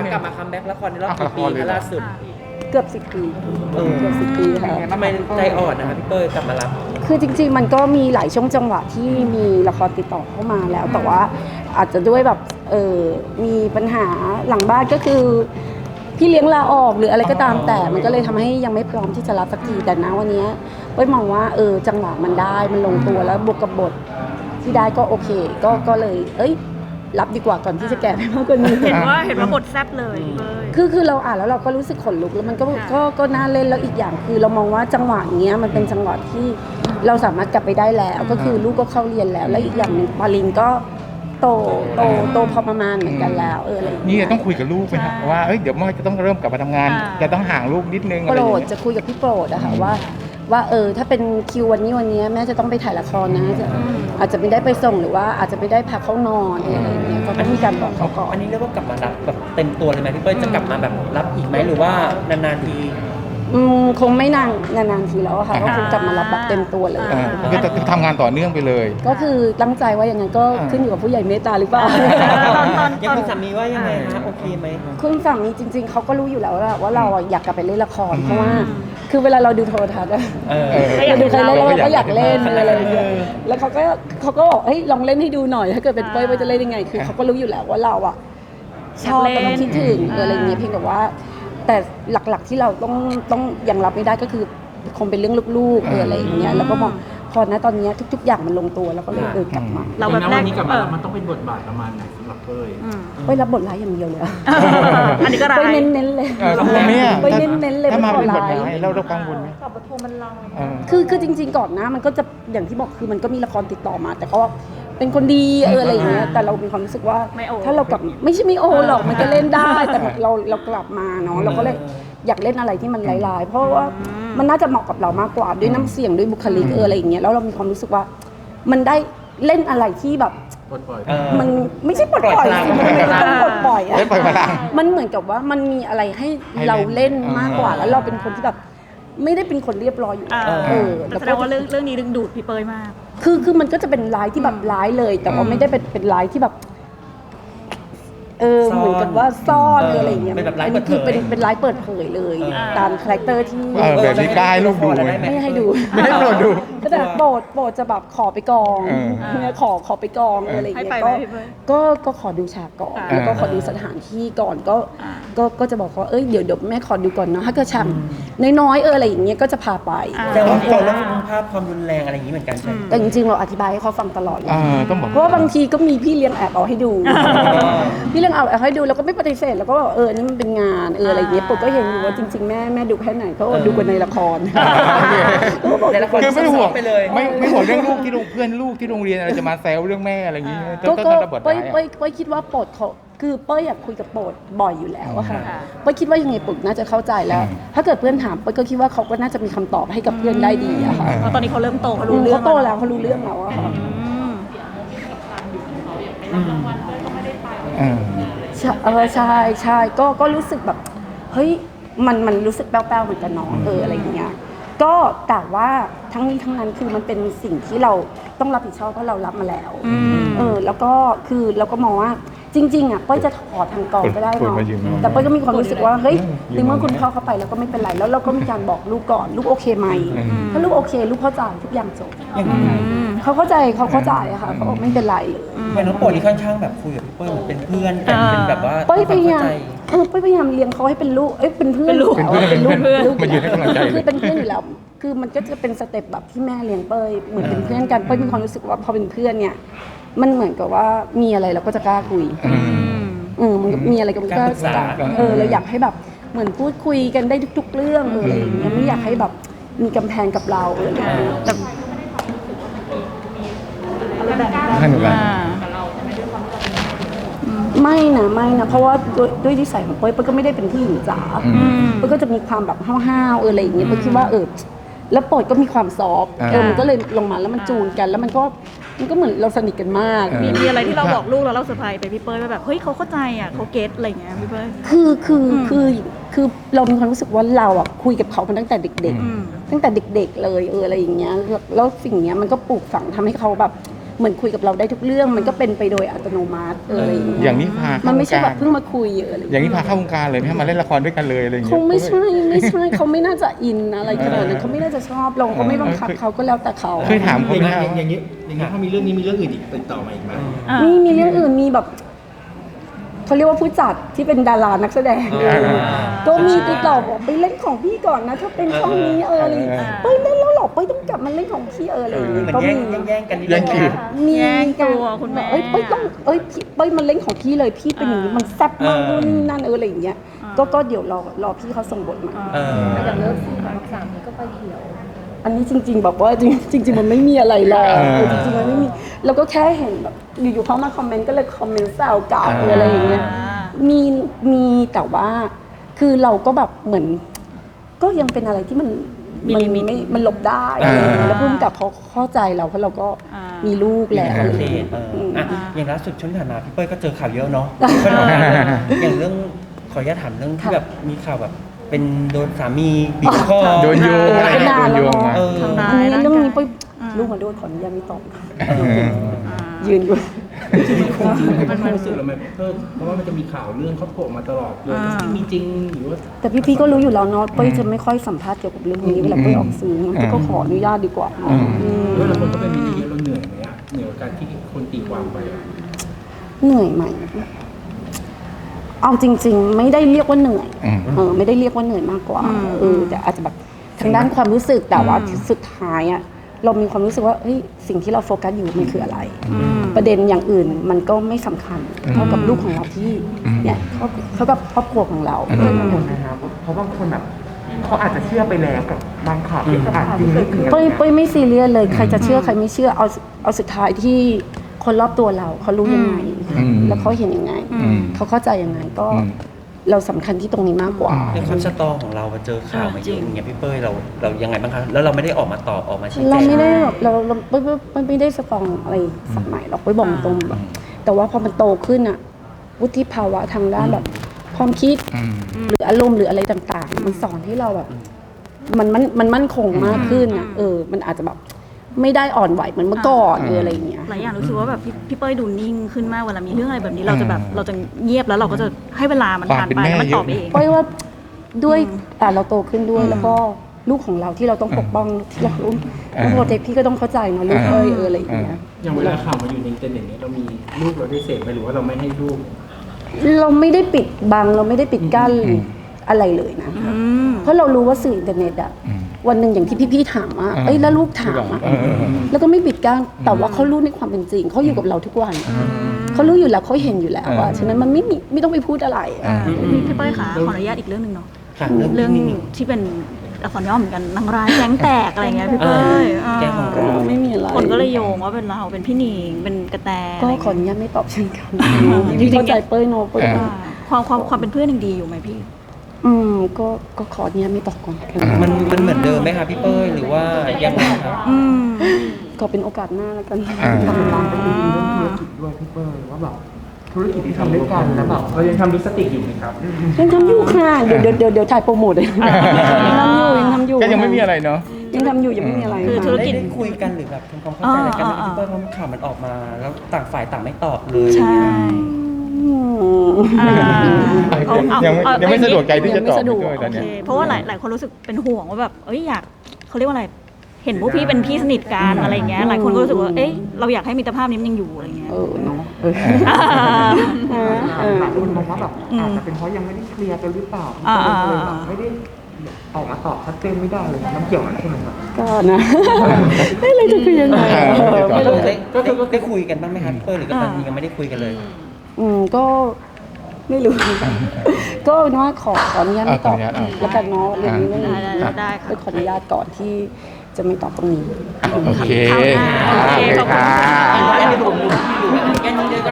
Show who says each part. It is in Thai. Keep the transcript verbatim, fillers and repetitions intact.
Speaker 1: กลับมาคัมแบ็กละครในรอบกี่ปีล่าสุด
Speaker 2: เกือบสิบปีเกือบสิบปีค่ะ
Speaker 1: ทำไมใจอ่อนนะคะพี่เป้ยกลับมารับ
Speaker 2: คือจริงๆมันก็มีหลายช่วงจังหวะที่มีละครติดต่อเข้ามาแล้วแต่ว่าอาจจะด้วยแบบเออมีปัญหาหลังบ้านก็คือพี่เลี้ยงลาออกหรืออะไรก็ตามแต่มันก็เลยทำให้ยังไม่พร้อมที่จะรับสักทีแต่นะวันนี้เป้ยมองว่าเออจังหวะมันได้มันลงตัวแล้วบวกกับบทที่ได้ก็โอเคก็ก็เลยเอ้ยรับดีกว่าก่อนที่จะแก่ไปมากกว่านี้
Speaker 3: เห็นว่าเห็นว่าบทแซ่บเลย
Speaker 2: คือคือเราอ่านแล้วเราก็รู้สึกขนลุกแล้วมันก็ก็ก็น่าเล่นแล้วอีกอย่างคือเรามองว่าจังหวะเนี้ยมันเป็นจังหวะที่เราสามารถกลับไปได้แล้วก็คือลูกก็เข้าเรียนแล้วและอีกอย่างหนึ่งปาลินก็โตโตโตพอประมาณเหมือนกันแล้วเอออะไร
Speaker 4: นี่ต้องคุยกับลูกไหมครับว่าเอ้ยเดี๋ยวมันจะต้องเริ่มกลับมาทำงานจะต้องห่างลูกนิดนึงอะไร
Speaker 2: โปร
Speaker 4: อย่างเงี้ย
Speaker 2: ดจะคุยกับพี่โปรดอะค่ะว่าว่าเออถ้าเป็นคิววันนี้วันนี้แม่จะต้องไปถ่ายละครนะจะอาจจะไม่ได้ไปส่งหรือว่าอาจจะไม่ได้พักเขานอนอะไรอย่างเงี้ยก็ต้องมีการบอกเขาก่อน
Speaker 1: อันนี้เรียกว่ากลับมารับแบบเต็มตัวเลยไหมพี่เป้ยจะกลับมาแบบรับอีกไหมหรือว่านานๆที
Speaker 2: อืมคงไม่นานนานๆทีแล้วค่ะก็คงกลับมารับแบบเต็มตัวเลย
Speaker 4: ก็จะทำงานต่อเนื่องไปเลย
Speaker 2: ก็คือตั้งใจว่าอย่างนั้นก็ขึ้นอยู่กับผู้ใหญ่เมตตาหรือเปล่า
Speaker 1: ยังคุณสามีว่ายังไงนะโอเคไหม
Speaker 2: คุณสามีจริงๆเขาก็รู้อยู่แล้วว่าเราอยากกลับไปเล่นละครเพราะว่าคือเวลาเราดูโทรทัศน์เราดูใครเล่นเราก็อยากเล่นอะไรอย่างเงี้ยแล้วเขาก็เขาก็บอกเฮ้ยลองเล่นให้ดูหน่อยถ้าเกิดเป็นเป้ยว่าจะเล่นยังไงคือเขาก็รู้อยู่แล้วว่าเราอ่ะชอบแล้วคิดถึงอะไรอย่างเงี้ยเพียงแต่ว่าแต่หลักๆที่เราต้องต้องยังรับไม่ได้ก็คือคงเป็นเรื่องลูกๆเอออะไรอย่างเงี้ยแล้วก็มองพอนะตอนนี้ทุกๆอย่างมันลงตัวแล้วก็เลยเออกลับมา
Speaker 5: เราแบบวันนี้กลับมามันต้องเป็นบทบาทประมาณไหนสำหรับเป้ย
Speaker 2: เป้ยรับบทร้ายอย่างเดียวเลย
Speaker 3: อันนี้ก็ร้าย
Speaker 2: เป้ยเน้นๆเลยเป้ยเน้นๆเลย
Speaker 4: ถ้ามาเป็นบทร้ายเราเรากังวลไหม
Speaker 3: กับปทุมมันลัง
Speaker 2: คือคือจริงๆก่อนนะมันก็จะอย่างที่บอกคือมันก็มีละครติดต่อมาแต่ก็เป็นคนดีเอออะไรอย่างเงี้ยแต่เรามีความรู้สึกว่าถ้าเรากลับไม่ใช่ไม่โอหรอกมันก็เล่นได้แต่เราเรากลับมาเนาะเราก็เลยอยากเล่นอะไรที่มันร้ายๆเพราะว่ามันน่าจะเหมาะกับเรามากกว่าด้วยน้ำเสียงด้วยบุคลิกเอออะไรอย่างเงี้ยแล้วเรามีความรู้สึกว่ามันได้เล่นอะไรที่แบบมันไม่ใช่ปลดปล่อยสิมันไม่ต้องปลดปล่อยอะมันเหมือนกับว่ามันมีอะไรให้เราเล่นมากกว่าแล้วเราเป็นคนที่แบบไม่ได้เป็นคนเรียบร้อยอยู่
Speaker 3: เออแสดงว่าเรื่องเรื่องนี้ดึงดูดพี่เป้ยมาก
Speaker 2: คือคือมันก็จะเป็นร้ายที่แบบร้ายเลยแต่ว่าไม่ได้เป็นเป็นร้ายที่แบบเออเหมือนกับว่าซ่อนอะไรอย่างเงี้ยอันนี้คือเป็นเป็นร้ายเปิดเผยเลยตามคาแรคเตอร์ที่
Speaker 4: แบบนี้กล้าให้ลูกดู
Speaker 2: ไม่ให้ดู
Speaker 4: ไม่ให้โปรดดู
Speaker 2: ก็แต่โปรดโปรดจะแบบขอไปกองเนี่ยขอขอไปกองอะไรอย่างเงี้ยก็ก็ก็ขอดูฉากก่อนแล้วก็ขอดูสถานที่ก่อนก็ก็ก็จะบอกเขาเอ้ยเดี๋ยวเดี๋ยวแม่ขอดูก่อนเนาะถ้าเกิดฉากน้อยๆเอออะไรอย่างเงี้ยก็จะพาไป
Speaker 1: แต่ว่าเราเรื่องภาพความรุนแรงอะไรอย่างนี้เหมือนกันใช่
Speaker 2: แต่จริงๆเราอธิบายให้เขาฟังตลอดเลย
Speaker 4: ต้องบอก
Speaker 2: เพราะว่าบางทีก็มีพี่เลี้ยงแอบเอาให้ดูพี่เลี้ยงเอาให้ดูแล้วก็ไม่ปฏิเสธแล้วก็เออนี่มันเป็นงานเอออะไรอย่างเงี้ยปุ๊บก็เห็นอยู่ว่าจริงๆแม่แม่ดูแค่ไหนเขาดูกันในละคร
Speaker 1: ในละคร
Speaker 4: คือไม่ห่วงไปเลยไม่ไม่ห่วงเรื่องลูกที่โรงเพื่อนลูกที่โรงเรียนอะไรจะมาแซวเรื่องแม่อะไรอย่างงี้
Speaker 2: ก็ก็เป้ยเป้ยเป้ยคิดว่าโปรดเขาคือเป้ยอยากคุยกับโปรดบ่อยอยู่แล้วอะค่ะเป้ยคิดว่ายังไงโปรดน่าจะเข้าใจแล้วถ้าเกิดเพื่อนถามเป้ยก็คิดว่าเขาก็น่าจะมีคำตอบให้กับเพื่อนได้ดีอะค่ะ
Speaker 3: ตอนนี้เขาเริ่มโตเขารู้เรื่อง
Speaker 2: เขาโตแล้วเขารู้เรื่องแล้วอะค่ะเออใช่ใช่ก็ก็รู้สึกแบบเฮ้ยมันมันรู้สึกแป้วๆเหมือนกันเนาะเอออะไรอย่างเงี้ยก็แต่ว่าทั้งนี้ทั้งนั้นคือมันเป็นสิ่งที่เราต้องรับผิดชอบเพราะเรารับมาแล้วเออแล้วก็คือเราก็มองว่าจริงๆอ่ะเป้ยจะขอทางกองก็ได้เนาะแต่เป้ยก็มีความรู้สึกว่าเฮ้ยในเมื่อคุณพ่อเข้าไปแล้วก็ไม่เป็นไรแล้วเราก็มีการบอกลูกก่อนลูกโอเคไหมถ้าลูกโอเคลูกเข้าใจทุกอย่างจบเขาเข้าใจเขาเข้าใจอะค่ะเขาบอกไม่เป็นไรเลย
Speaker 1: เหมือนน้องโปรดนี่ค่อนข้างแบบคุยกับพี่เป้ยเหมือนเป็นเพื่อนกันเป็นแบบว่า
Speaker 2: เป้ยพยายามเออเป้ยพยายามเลี้ยงเขาให้เป็นลูกเอ้ยเป็นเพื่อน
Speaker 3: ลูก
Speaker 2: เป็นลูกลูก
Speaker 4: มันยืนให้กำลังใจ
Speaker 2: คือเป็นเพื่อนอยู่แล้วคือมันก็จะเป็นสเต็ปแบบที่แม่เลี้ยงเป้ยเหมือนเป็นเพื่อนกันเป้ยมีความรู้สึกว่าพอเป็นเพื่อนเนี่ยมันเหมือนกับว่ามีอะไรเราก็จะกล้าคุยอืมมันมีอะไรก็มันก็เออเราอยากให้แบบเหมือนพูดคุยกันได้ทุกๆเรื่องเอออะไรอย่างเงี้ยไม่อยากให้แบบมีกำแพงกับเราเออแต่
Speaker 4: ให้หนูกัน
Speaker 2: ไม่นะไม่นะเพราะว่าด้วยนิสัยของเป้ยเป้ยก็ไม่ได้เป็นผู้หญิงจ๋าเป้ยก็จะมีความแบบห้าวๆเอออะไรอย่างเงี้ยเป้ยคิดว่าเออแล้วโปรดก็มีความซอฟต์เออมันก็เลยลงมาแล้วมันจูนกันแล้วมันก็มันก็เหมือนเราสนิทกันมาก
Speaker 3: มีมีอะไรที่เราบอกลูกแล้วเราเซอร์ไพรส์ไปพี่เป้ยแบบเฮ้ยเขาเข้าใจอ่ะเขาเก็ตอะไรอย่างเงี้ยพี่เป้ย
Speaker 2: คือคือคือคือเรามีความรู้สึกว่าเราอ่ะคุยกับเขามาตั้งแต่เด็กๆตั้งแต่เด็กๆเลยเอออะไรอย่างเงี้ยแล้วสิ่งเนี้ยมันก็ปลูกฝังทำให้เขาแบบเหมือนคุยกับเราได้ทุกเรื่อง มันก็เป็นไปโดยอัตโนมัติเอออะไรอย่างเงี้ย
Speaker 4: อย่างนี้พา
Speaker 2: มั
Speaker 4: เข้านว
Speaker 2: ไม่
Speaker 4: ง
Speaker 2: ใช่
Speaker 4: กา
Speaker 2: แบ
Speaker 4: ร
Speaker 2: บเพิ่งมาคุยเอออะไร
Speaker 4: อย่างนี้พาเข้าวงการเลยไหมให้มาเล่นละครด้วยกันเลยอะไรอย่าง
Speaker 2: ค
Speaker 4: เงี้
Speaker 2: ง
Speaker 4: ย
Speaker 2: ไม่ใช่ไม่ใช่เขาไม่น่าจะอินอะไรขนาดนั้นเขาไม่น่าจะชอบเราก็ไม่บังคับเขาก็แล้วแต่เขา
Speaker 4: เคยถามเขา
Speaker 5: อย่าง
Speaker 4: ไหม
Speaker 5: นี้
Speaker 4: ว่า
Speaker 5: อย่างนี้อย่างนี้ถ้ามีเรื่องนี้มีเรื่องอื่นอีกติดต่อมาอีกไหม
Speaker 3: อ่า
Speaker 2: มีมีเรื่องอื่นมีแบบเขาเรียกว่าผู้จัดที่เป็นดารานักแสดง
Speaker 1: อ่า
Speaker 2: ก็มีติดต่อบอกไปเล่นของพี่ก่อนนะถ้าเป็นช่องนี้เอออะไรอย่างเงี้ยเป้ยเล่นแล้วเหรอเป้ยต้องกลับมาเล่นของพี่เอออะไรอย่าง
Speaker 1: เห
Speaker 2: เงี้ย
Speaker 1: มือน
Speaker 2: ก็
Speaker 1: แย่
Speaker 2: มี
Speaker 1: งแย่งๆกันนิด
Speaker 4: แย่งคิว
Speaker 2: มี
Speaker 3: แย่งตัวคุณแม่
Speaker 2: เอ้ยเป้ยต้องเอ้ยพี่เป้ยมันเล่นของพี่เลยพี่เป็นอย่างนี้มันแซ่บมาก
Speaker 1: เออ
Speaker 2: นู่นนี่นั่นเอออะไรอย่างเงี้ยก็ก็เดี๋ยวรอรอพี่เขาส่งบทมา
Speaker 1: เออ
Speaker 6: อย่างเลิฟซีนของสามนี้ก็ไปเขียว
Speaker 2: อันนี้จริง ๆ แบบว่าจริงจริง ๆ มันไม่มีอะไรหรอก
Speaker 4: เออ
Speaker 2: เออจริงๆมันไม่มีเราก็แค่เห็นแบบอยู่ๆเขามาคอมเมนต์ก็เลยคอมเมนต์แซวกลับ
Speaker 4: เออ
Speaker 2: หรืออะไรอย่างเงี้ยมีมีแต่ว่าคือเราก็แบบเหมือน ก็ยังเป็นอะไรที่มัน
Speaker 3: มี
Speaker 2: มัน
Speaker 3: ลิมิต
Speaker 2: ไม่มันหลบได้
Speaker 4: อ่า
Speaker 2: แล้วพุ่มกับเขาเข้าใจเราเพราะเราก็
Speaker 3: อ่า
Speaker 2: มีลูกแล้ว
Speaker 1: โอ
Speaker 2: อะไร
Speaker 1: เค
Speaker 2: อย่างเงี้ย
Speaker 1: เออ
Speaker 2: อืม
Speaker 1: อ่ะอย่างล่าสุดช่วงที่ผ่านมาพี่เป้ยก็เจอข่าวเยอะเนาะก็ทำงานอย่างเรื่องขออนุญาตถามเรื่องที่แบบมีข่าวแบบเป็นโดนสามีบีบคอ
Speaker 4: โดนโยงอะไร
Speaker 2: เป็น
Speaker 4: เงี้ย
Speaker 2: นาน
Speaker 4: โดน
Speaker 2: แล้ว
Speaker 4: โยง
Speaker 2: เนาะ
Speaker 4: มา
Speaker 1: เออ
Speaker 3: ทำร้าย
Speaker 2: อันนี้
Speaker 3: ร่างกาย
Speaker 2: เรื่องนี้เป้ย
Speaker 3: อ่า
Speaker 2: ลูกมาโดนขออนุญาตไม่ตอบ
Speaker 3: อ่า
Speaker 2: ยืนอยู่
Speaker 5: จริงๆมันความรู้สึกเราไหมเพิ่มเพราะว่ามันจะมีข่าวเรื่องเขาโผล่มาตลอดเลย
Speaker 3: อ่า
Speaker 5: มีจริงหรือว่า
Speaker 2: แต่พี่ๆก็รู้อยู่แล้วเนาะเป้ยจะไม่ค่อยสัมภาษณ์เกี่ยวกับเรื่องนี้เวลาเป้ยออกสื่องั้นเป้ยก็ขออนุญาตดีกว่าเนาะ
Speaker 4: อืม
Speaker 2: อืม
Speaker 5: ด้วยเราคนก็เป็นมินิเยอะเราเหนื่อยไหมอะเหนื่อยกับการที่คนตีความไปอะ
Speaker 2: เหนื่อยไหมเอาจริง ๆ ไม่ได้เรียกว่าเหนื่อย
Speaker 4: อืม
Speaker 2: เออไม่ได้เรียกว่าเหนื่อยมากกว่า
Speaker 3: อืม
Speaker 2: เออแต่อาจจะแบบทางด้านความรู้สึกแต่ว่า
Speaker 3: อืม
Speaker 2: สุดท้ายอะเรามีความรู้สึกว่าเฮ้ยสิ่งที่เราโฟกัสอยู่มันคืออะไร
Speaker 3: อืม
Speaker 2: ประเด็นอย่างอื่นมันก็ไม่สำคัญ
Speaker 4: อืม
Speaker 2: เท่ากับลูกของเราที่
Speaker 4: อืม
Speaker 2: เนี่ยเท่าเท่ากับครอบครัวของเรา
Speaker 4: อืม
Speaker 2: เออ
Speaker 7: กังวลนะครับเพราะบางคนแบบเขาอาจจะเชื่อไปแล้วกับบางข่าวที่อาจจริงไม่จริง
Speaker 2: เป้ยเป้ยไม่ซีเรียสเลยใครจะเชื่อใครไม่เชื่อเอาเอาสุดท้ายที่คนรอบตัวเราเขารู้ยังไง
Speaker 4: อืม
Speaker 2: แล้วเขาเห็นยังไง
Speaker 4: อืม
Speaker 2: เขาเข้าใจยังไงก็
Speaker 4: อืม
Speaker 2: เราสำคัญที่ตรงนี้มากกว่า
Speaker 1: ในความสตอของเราเจอข่าวมาเยอะอย่างเงี้ยพี่เป้ยเราเรายังไงบ้างคะแล้วเราไม่ได้ออกมาตอบออกมาชี้แจง
Speaker 2: เราไม่ได้แบบเราเราไม่ไม่ไม่ได้สตรองอะไรสักหน่อยหรอกไปบอกตรงแบบแต่ว่าพอมันโตขึ้นอะวุฒิภาวะทางด้านแบบความคิด
Speaker 4: อืม
Speaker 2: หรืออารมณ์หรืออะไรต่างๆ มันสอนให้เราแบบ มันมันมันมั่นคงมากขึ้นอะเออ มันอาจจะแบบไม่ได้อ่อนไหวเหมือนเมื่อก่อนหรืออะไรอย่างเงี้ย
Speaker 3: หลายอย่างรู้สึกว่าแบบพี่พี่เป้ยดูนิ่งขึ้นมากเวลามีเรื่องอะไรแบบนี้เราจะแบบเราจะเงียบแล้วเราก็จะให้เวลามันผ่านไปแล้วมันตอบเอง
Speaker 2: เพราะว่าด้วย
Speaker 3: อืม
Speaker 2: อ่าเราโตขึ้นด้วย
Speaker 4: อืม
Speaker 2: แล้วก็ลูกของเราที่เราต้องปกป้องที่เราต้อง
Speaker 4: อ่า
Speaker 2: โปรเทคพี่ก็ต้องเข้าใจเนาะลูกเอ้ยเอออะไรอย่างเงี้ย
Speaker 5: อย่างเวลาข่าวมาอยู่ในอินเทอร์เน็ตเนี้ยเรามีลูกเราได้เสพไหมหรือว่าเราไม่ให้ลูก
Speaker 2: เราไม่ได้ปิดบังเราไม่ได้ปิดกั้นอะไรเลยนะ
Speaker 3: อืม
Speaker 2: เพราะเรารู้ว่าสื่ออินเทอร์เน็ตอะ
Speaker 4: อืม
Speaker 2: วันหนึ่งอย่างที่พี่ๆถามว่า
Speaker 4: อ่า
Speaker 2: เอ้ยแล้วลูกถามอะ
Speaker 4: เออเออเออ
Speaker 2: แล้วก็ไม่ปิดกั้นแต่ว่าเขารู้ในความเป็นจริงเขาอยู่กับเราทุกวันเขารู้อยู่แล้วเขาเห็นอยู่แล้วว่า
Speaker 4: อ่า
Speaker 2: ฉะนั้นมันไม่มีไม่ต้องไปพูดอะไร
Speaker 4: อ่า
Speaker 3: พี่พี่เป้ยคะขออนุญาตอีกเรื่องหนึ่งเนาะ
Speaker 1: ค่ะ
Speaker 3: เรื่
Speaker 1: เรื่
Speaker 3: อ
Speaker 1: อง งนี้
Speaker 3: ที่เป็นอักษรย่อเหมือนกันนางร้ายแก๊งแตกอะไรเงี้ยพี่เป้ย
Speaker 1: เออแก๊งของเรา
Speaker 2: ไม่มีอะไร
Speaker 3: คนก็เลยโยงว่าเป็นเราเป็นพี่หนิงเป็นกระแต
Speaker 2: ก็
Speaker 3: อะไร
Speaker 2: ขออ
Speaker 3: เงี้ย
Speaker 2: นุญาตไม่ตอบเช่นกัน
Speaker 3: อ่า
Speaker 2: พี่เข้าใจเป้ยโนเป้ย
Speaker 4: อ่า
Speaker 3: ความความความเป็นเพื่อนยังดีอยู่ไหมพี่
Speaker 2: อืมก็ก็ขออนุญาตไม่ตอบก่อน
Speaker 4: อ่า
Speaker 1: มันมันเหมือนเดิมไหมคะพี่เป้ยหรือว่ายังไงครับ
Speaker 3: อืม
Speaker 2: ก็เป็นโอกาสหน้าแล้วกัน
Speaker 4: อ่า
Speaker 7: ทำเป็นลางไปถึงเรื่องธุรกิจด้วยพี่เปิ้ลว่าแบบธุรกิจที่ทำด้วยกันแล้วแบบ
Speaker 5: เรายังทำลิปสติกอยู่ไหมครับ
Speaker 2: ยังทำอยู่ค่ะเดี๋ยวเดี๋ยวเดี๋ยวเดี๋ยวถ่ายโปรโมทเลยยังทำอยู่ยังทำอยู่
Speaker 4: ก็ยังไม่มีอะไรเนาะ
Speaker 2: ยังทำอยู่ยังไม่มีอะไร
Speaker 3: คือธุร
Speaker 1: ได้
Speaker 3: กิจ
Speaker 1: ได้คุยกันหรือแบบทำความเข้าใจอะไรกันไหม
Speaker 3: อ่าอ่า
Speaker 1: พี่เป้ยเพราะข่าวมันออกมา แล้วต่างฝ่ายต่างไม่ตอบเลย
Speaker 3: ใช่
Speaker 2: อืม
Speaker 3: อ่าเอาเอา
Speaker 4: ยังไม่
Speaker 3: เอา
Speaker 4: ยังไม่สะดวกใจที่จะตอบ
Speaker 2: ยังไม่สะดวก
Speaker 4: ด้วยตอน
Speaker 3: โอ
Speaker 4: เนี้
Speaker 3: เค
Speaker 4: ย
Speaker 3: เพราะว่าหลายหลายคนรู้สึกเป็นห่วงว่าแบบเอ้ยอยากเขาเรียกว่าอะไร เห็นพวกพี่เป็นพี่สนิทกันอะไรเงี้ย หลายคนก็รู้สึกว่า เอ๊ะเราอยากให้มิตรภาพนี้มันยังอยู่อะไรเงี้ย
Speaker 2: เออเนาะเออ
Speaker 3: อ่า
Speaker 2: เออ
Speaker 7: หลายคนมองว่าแบบ
Speaker 3: อืม
Speaker 7: อาจจะเป็นเพราะยังไม่ได้เคลียร์กันหรือเปล่า
Speaker 3: อ่า
Speaker 7: ก็เลยแบบไม่ได้ออกมาตอบชัดเจนไม่ได้เลยน้ำเกี่ยวกันใช่ไหมครับ
Speaker 2: ก็นะไม่เลยจะคือยังไง
Speaker 4: เออ
Speaker 2: ไม่
Speaker 1: ได้
Speaker 2: รู้
Speaker 1: ได้ได้ได้คุยกันบ้างไหมคะพี่เป้ยหรือก็ตอนนี้ยังไม่ได้คุยกันเลย
Speaker 2: อืมก็ไม่รู้ ก็เป็นว่าขอขออนุญาตไม่ตอบ
Speaker 4: อ่ะขออนุญาตอ่ะ
Speaker 2: แล้วกันเนาะเรื่องนี้ไม่
Speaker 3: ได้ได้ได้ได้
Speaker 2: ไป
Speaker 3: ค่ะ
Speaker 2: ขออนุญาตก่อนที่จะไม่ตอบตรงนี้
Speaker 4: โอเค
Speaker 3: โอเคขอบคุณค่ะ
Speaker 4: โอเคค่ะ
Speaker 1: แค่นี้เลย